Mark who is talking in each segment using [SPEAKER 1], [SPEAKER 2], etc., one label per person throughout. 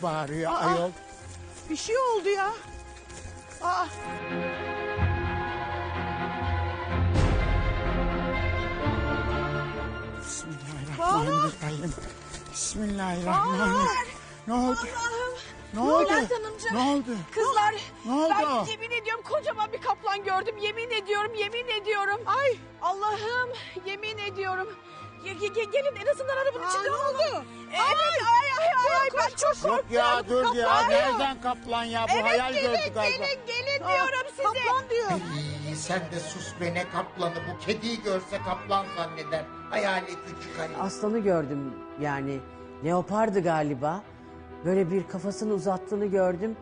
[SPEAKER 1] bağırıyor ayol?
[SPEAKER 2] Bir şey oldu ya. Aa.
[SPEAKER 1] Bismillahirrahmanirrahim. Bismillahirrahmanirrahim. Ne oldu?
[SPEAKER 3] Allah'ım.
[SPEAKER 1] Ne oldu?
[SPEAKER 3] Bülent Hanımcığım.
[SPEAKER 1] Ne oldu?
[SPEAKER 3] Kızlar.
[SPEAKER 1] Ne oldu?
[SPEAKER 3] Ben yemin ediyorum kocaman bir kaplan gördüm. Yemin ediyorum. Ay. Allah'ım yemin ediyorum. Gelin en azından arabanın içinde
[SPEAKER 2] ne
[SPEAKER 3] olalım.
[SPEAKER 2] oldu?
[SPEAKER 3] Evet ay ben çok korktum.
[SPEAKER 1] Yok ya dur ya.
[SPEAKER 3] Kaplan.
[SPEAKER 1] Nereden kaplan ya? Bu hayal gördü galiba.
[SPEAKER 3] Gelin diyorum size.
[SPEAKER 2] Kaplan diyor.
[SPEAKER 4] Sen de sus be, ne kaplanı, bu kediyi görse kaplan zanneder. Hayali küçük hani.
[SPEAKER 5] Aslanı gördüm yani. Leopardı galiba. Böyle bir kafasını uzattığını gördüm.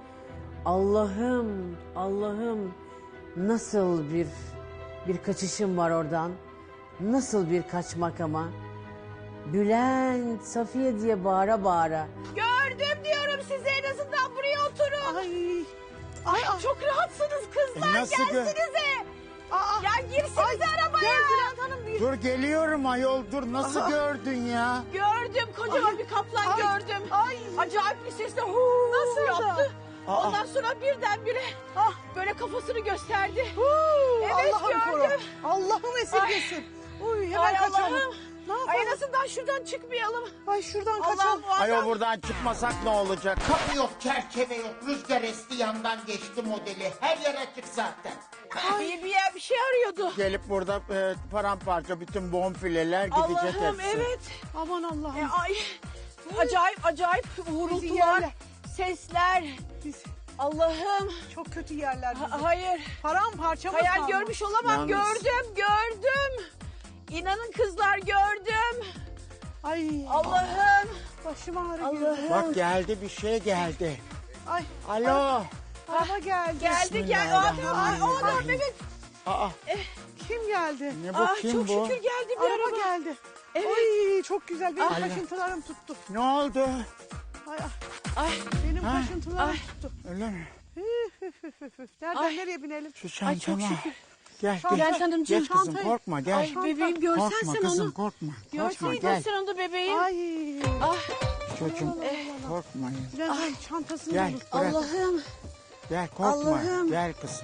[SPEAKER 5] Allah'ım nasıl bir kaçışım var oradan. Nasıl bir kaçmak ama. Bülent, Safiye diye bağıra bağıra.
[SPEAKER 3] Gördüm diyorum size, en azından buraya oturun.
[SPEAKER 2] Ay.
[SPEAKER 3] Çok rahatsınız kızlar,
[SPEAKER 1] Nasıl
[SPEAKER 3] gelsinize.
[SPEAKER 2] Aa.
[SPEAKER 3] Ya girsinize arabaya.
[SPEAKER 2] Gel Bülent Hanım bir.
[SPEAKER 1] Dur geliyorum ayol dur. Nasıl gördün ya?
[SPEAKER 3] Gördüm, kocaman bir kaplan gördüm.
[SPEAKER 2] Ay.
[SPEAKER 3] Acayip bir sesle huu
[SPEAKER 2] Nasıl da?
[SPEAKER 3] yaptı.
[SPEAKER 1] Aa.
[SPEAKER 3] Ondan sonra birdenbire böyle kafasını gösterdi. Evet
[SPEAKER 2] Allah'ım koru.
[SPEAKER 3] gördüm.
[SPEAKER 2] Allah'ım esirgesin. Uy hemen
[SPEAKER 3] Ay
[SPEAKER 2] kaçalım.
[SPEAKER 3] Allah'ım.
[SPEAKER 2] Ne
[SPEAKER 3] Ay
[SPEAKER 2] yapalım?
[SPEAKER 3] en azından şuradan çıkmayalım.
[SPEAKER 2] Ay şuradan
[SPEAKER 3] Allah'ım
[SPEAKER 2] kaçalım.
[SPEAKER 3] bu
[SPEAKER 1] Ayol
[SPEAKER 3] adam.
[SPEAKER 1] buradan çıkmasak ne olacak?
[SPEAKER 4] Kapı yok, çerçeve yok, rüzgar esti yandan geçti modeli. Her yer açık zaten.
[SPEAKER 3] Bir şey arıyordu.
[SPEAKER 1] Gelip burada paramparça bütün bonfileler gidecek
[SPEAKER 3] Allah'ım
[SPEAKER 1] hepsi.
[SPEAKER 3] evet.
[SPEAKER 2] Aman Allah'ım.
[SPEAKER 3] Ay acayip vurultular,
[SPEAKER 2] yerler.
[SPEAKER 3] sesler.
[SPEAKER 2] Biz
[SPEAKER 3] Allah'ım.
[SPEAKER 2] çok kötü yerler bizi.
[SPEAKER 3] Hayır.
[SPEAKER 2] Paramparça mı
[SPEAKER 3] Hayal
[SPEAKER 2] kaldı?
[SPEAKER 3] görmüş olamam.
[SPEAKER 1] Yalnız-
[SPEAKER 3] Gördüm. İnanın kızlar gördüm.
[SPEAKER 2] Ay
[SPEAKER 3] Allah'ım.
[SPEAKER 2] başım ağrıyor.
[SPEAKER 3] Allah'ım.
[SPEAKER 1] Bak geldi bir şey geldi.
[SPEAKER 2] Ay
[SPEAKER 1] Alo.
[SPEAKER 2] araba geldi.
[SPEAKER 3] Geldi. Aa,
[SPEAKER 1] Bismillahirrahmanirrahim.
[SPEAKER 3] evet.
[SPEAKER 1] Aa,
[SPEAKER 2] Kim geldi?
[SPEAKER 1] ne bu kim
[SPEAKER 3] çok
[SPEAKER 1] bu?
[SPEAKER 3] şükür geldi bir
[SPEAKER 2] Araba
[SPEAKER 3] araba.
[SPEAKER 2] geldi.
[SPEAKER 3] Evet.
[SPEAKER 2] Ay çok güzel. Benim
[SPEAKER 1] Ay.
[SPEAKER 2] kaşıntılarım tuttu.
[SPEAKER 1] Ne oldu?
[SPEAKER 2] Ay,
[SPEAKER 3] Ay.
[SPEAKER 2] benim
[SPEAKER 1] Ha?
[SPEAKER 2] kaşıntılarım
[SPEAKER 3] Ay.
[SPEAKER 2] tuttu.
[SPEAKER 1] Öyle mi?
[SPEAKER 2] Nereden
[SPEAKER 3] Ay.
[SPEAKER 2] nereye binelim?
[SPEAKER 1] Şu
[SPEAKER 3] Ay, çok
[SPEAKER 1] çantama.
[SPEAKER 3] şükür.
[SPEAKER 1] Gel
[SPEAKER 2] Şanta-
[SPEAKER 1] gel.
[SPEAKER 3] Bülent Hanımcığım,
[SPEAKER 1] Geç kızım
[SPEAKER 2] çantayı-
[SPEAKER 1] korkma gel.
[SPEAKER 3] Ay bebeğim görsen
[SPEAKER 1] Korkma
[SPEAKER 3] sen
[SPEAKER 1] kızım
[SPEAKER 3] onu.
[SPEAKER 1] korkma. Korkma
[SPEAKER 3] Görseydin
[SPEAKER 1] gel.
[SPEAKER 3] sen onu bebeğim.
[SPEAKER 2] Ay.
[SPEAKER 3] Ah
[SPEAKER 1] Çocuğum korkmayın.
[SPEAKER 2] Bülent Hanım çantasını
[SPEAKER 1] Gel
[SPEAKER 2] unut.
[SPEAKER 1] bırak.
[SPEAKER 3] Allah'ım.
[SPEAKER 1] Gel korkma.
[SPEAKER 3] Allah'ım.
[SPEAKER 1] Gel kızım.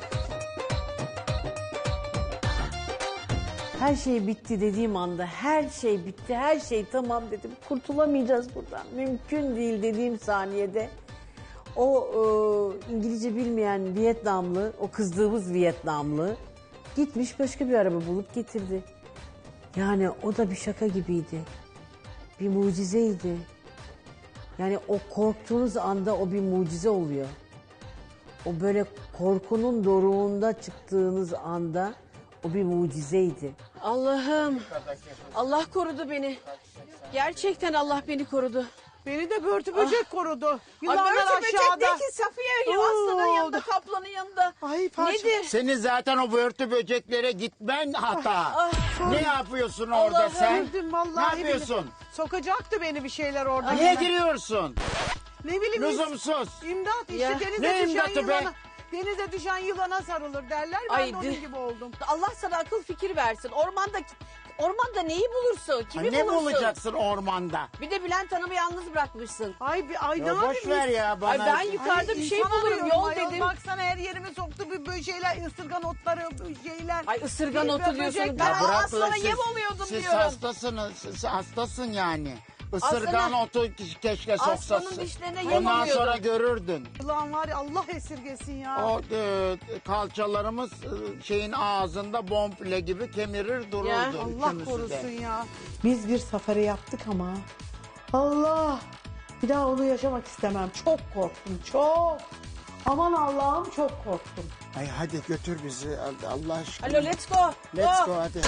[SPEAKER 5] Her şey bitti dediğim anda her şey bitti, her şey tamam dedim. Kurtulamayacağız buradan. Mümkün değil dediğim saniyede. O İngilizce bilmeyen Vietnamlı, o kızdığımız Vietnamlı gitmiş başka bir araba bulup getirdi. Yani o da bir şaka gibiydi. Bir mucizeydi. Yani o korktuğunuz anda o bir mucize oluyor. O böyle korkunun doruğunda çıktığınız anda o bir mucizeydi.
[SPEAKER 3] Allah'ım. Allah korudu beni. Gerçekten Allah beni korudu.
[SPEAKER 2] Beni de börtü böcek korudu.
[SPEAKER 3] Ay
[SPEAKER 2] Yılanlar
[SPEAKER 3] böyle böcek
[SPEAKER 2] aşağıda.
[SPEAKER 3] değil ki Safiye.
[SPEAKER 2] Oo.
[SPEAKER 3] Aslanın yanında, kaplanın yanında.
[SPEAKER 2] Ay parça.
[SPEAKER 3] Nedir?
[SPEAKER 1] Senin zaten o börtü böceklere gitmen hata. Ne yapıyorsun orada
[SPEAKER 3] Allah'ım.
[SPEAKER 1] sen?
[SPEAKER 2] Öldüm
[SPEAKER 1] Ne
[SPEAKER 2] vallahi.
[SPEAKER 1] yapıyorsun?
[SPEAKER 2] billahi. Sokacaktı beni bir şeyler orada.
[SPEAKER 1] Niye giriyorsun?
[SPEAKER 2] Ne bileyim.
[SPEAKER 1] Lüzumsuz.
[SPEAKER 2] İmdat işte
[SPEAKER 3] Ya.
[SPEAKER 2] denize
[SPEAKER 1] Ne
[SPEAKER 2] düşen
[SPEAKER 1] imdatı be?
[SPEAKER 2] yılana. Denize düşen yılana sarılır derler. Ben
[SPEAKER 3] Ay,
[SPEAKER 2] de onun gibi oldum.
[SPEAKER 3] Allah sana akıl fikir versin. Ormanda neyi bulursun? Kimi
[SPEAKER 1] Ne
[SPEAKER 3] bulursun?
[SPEAKER 1] bulacaksın ormanda?
[SPEAKER 3] Bir de Bülent Hanım'ı yalnız bırakmışsın.
[SPEAKER 2] Ay ne
[SPEAKER 1] Ya
[SPEAKER 2] yapayım?
[SPEAKER 1] boş ver ya bana.
[SPEAKER 3] Ay ben yukarıda bir şey
[SPEAKER 2] insana
[SPEAKER 3] bulurum.
[SPEAKER 2] arıyorum
[SPEAKER 3] Yol
[SPEAKER 2] ayol.
[SPEAKER 3] dedim.
[SPEAKER 2] Baksana her yerime soktu bir şeyler, ısırgan otları, şeyler.
[SPEAKER 3] Ay ısırgan otu
[SPEAKER 2] Böcek-
[SPEAKER 3] diyorsun.
[SPEAKER 2] Ya
[SPEAKER 3] Ben
[SPEAKER 1] bırak
[SPEAKER 3] aslana
[SPEAKER 1] lan,
[SPEAKER 3] yem oluyordum
[SPEAKER 1] siz
[SPEAKER 3] diyorum.
[SPEAKER 1] hastasınız. Siz hastasın yani. Isırgan
[SPEAKER 3] Aslana-
[SPEAKER 1] otu keşke soksasın.
[SPEAKER 3] Aslanın dişlerine yem
[SPEAKER 1] Ondan
[SPEAKER 3] oluyordum.
[SPEAKER 1] sonra görürdün.
[SPEAKER 2] Ulan var ya Allah esirgesin ya.
[SPEAKER 1] O kalçalarımız şeyin ağzında bonfile gibi kemirir dururdu.
[SPEAKER 3] Ya,
[SPEAKER 2] Allah
[SPEAKER 1] üçümüzü de.
[SPEAKER 2] korusun ya.
[SPEAKER 6] Biz bir safari yaptık ama Allah bir daha onu yaşamak istemem. Çok korktum çok. Aman Allah'ım çok korktum.
[SPEAKER 1] Ay hadi götür bizi Allah aşkına.
[SPEAKER 3] Alo let's go.
[SPEAKER 1] Let's
[SPEAKER 3] Go.
[SPEAKER 1] go hadi.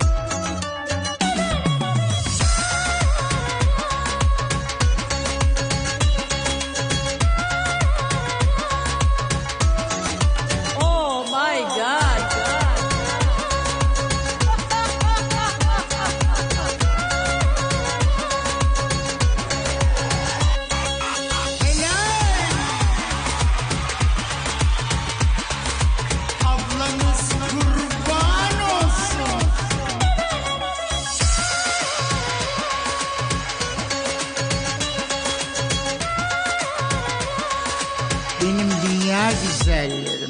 [SPEAKER 3] Oh my God.
[SPEAKER 1] Ablanız kurban olsun. güzellerim.